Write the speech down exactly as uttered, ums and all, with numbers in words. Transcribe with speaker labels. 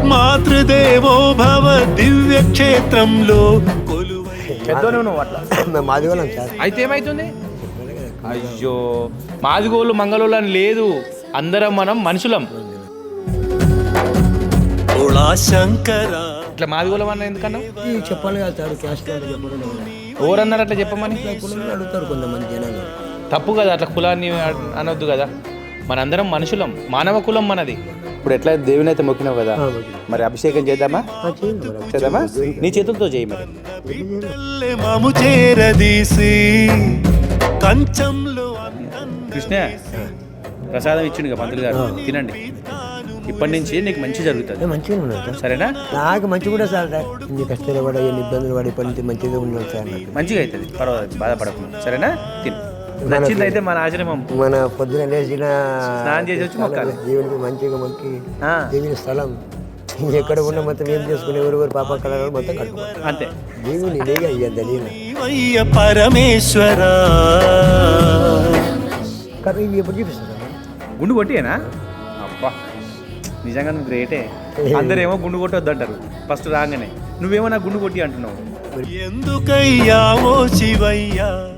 Speaker 1: మాతృదేవో భవ దివ్య క్షేత్రంలో కొలువై.
Speaker 2: పెద్దోనే నువ్వు అట్లా
Speaker 3: మాది వాళ్ళం సార్.
Speaker 2: అయితే ఏమైతుంది? అయ్యో మాదిగోళ్ళు మంగళోళ్ళు అని లేదు, అందరం మనం మనుషులం.
Speaker 1: శంకరా
Speaker 2: ఇట్లా మాదిగోళం అన్న ఎందుకన్నా
Speaker 3: చెప్పాలి కదా సార్, క్యాస్ట్ అంటే చెప్పడం
Speaker 2: ఎవరన్నారు అట్లా చెప్పమని?
Speaker 3: కులంలో అడుగుతారు కొంతమంది జనాలు.
Speaker 2: తప్పు కదా అట్లా కులాన్ని అనొద్దు కదా, మనందరం మనుషులం, మానవ కులం మనది. ఇప్పుడు ఎట్లా దేవుని అయితే మొక్కినావు కదా, మరి అభిషేకం చేద్దామా? చేద్దామా? నీ చేతులతో చేయి మరి.
Speaker 1: మాము చేరదీసి కంచంలో
Speaker 2: కృష్ణ ప్రసాదం ఇచ్చిండు కదా పంతులు గారు, తినండి. ఇప్పటి నుంచి నీకు మంచి జరుగుతుంది.
Speaker 3: మంచిగా ఉన్నాను
Speaker 2: సరేనా?
Speaker 3: నాకు మంచి కూడా సార్. ఇన్ని కష్టాలు పడ ఎన్ని ఇబ్బందులు పడి ఇప్పటి నుంచి మంచిగా ఉన్నాను సార్.
Speaker 2: మంచిగా అవుతుంది, పర్వాలేదు, బాధపడకుండా. సరేనా? తిను. నచ్చింది అయితే మన ఆశ్రమం.
Speaker 3: మన పొద్దున లేచిన
Speaker 2: స్నానం చేసి వచ్చి మొక్కాలి
Speaker 3: దేవునికి మంచిగా మొక్కి దేవుని స్థలం ఎక్కడ ఉన్న మొత్తం ఏం చేసుకుని ఎవరెవరు పాప కళలు మొత్తం కట్టుకోవాలి
Speaker 2: అంతే.
Speaker 3: దేవుని లేగా అయ్యంత నేను
Speaker 1: పరమేశ్వర
Speaker 3: కానీ ఇవి ఎప్పుడు చూపిస్తాను
Speaker 2: గుండు కొట్టియేనా? అబ్బా నిజంగా నువ్వు గ్రేటే. అందరేమో గుండు కొట్టొద్దు అంటారు ఫస్ట్ రాగానే, నువ్వేమో నా గుండు కొట్టి అంటున్నావు.
Speaker 1: ఎందుకయ్యా ఓ శివయ్యా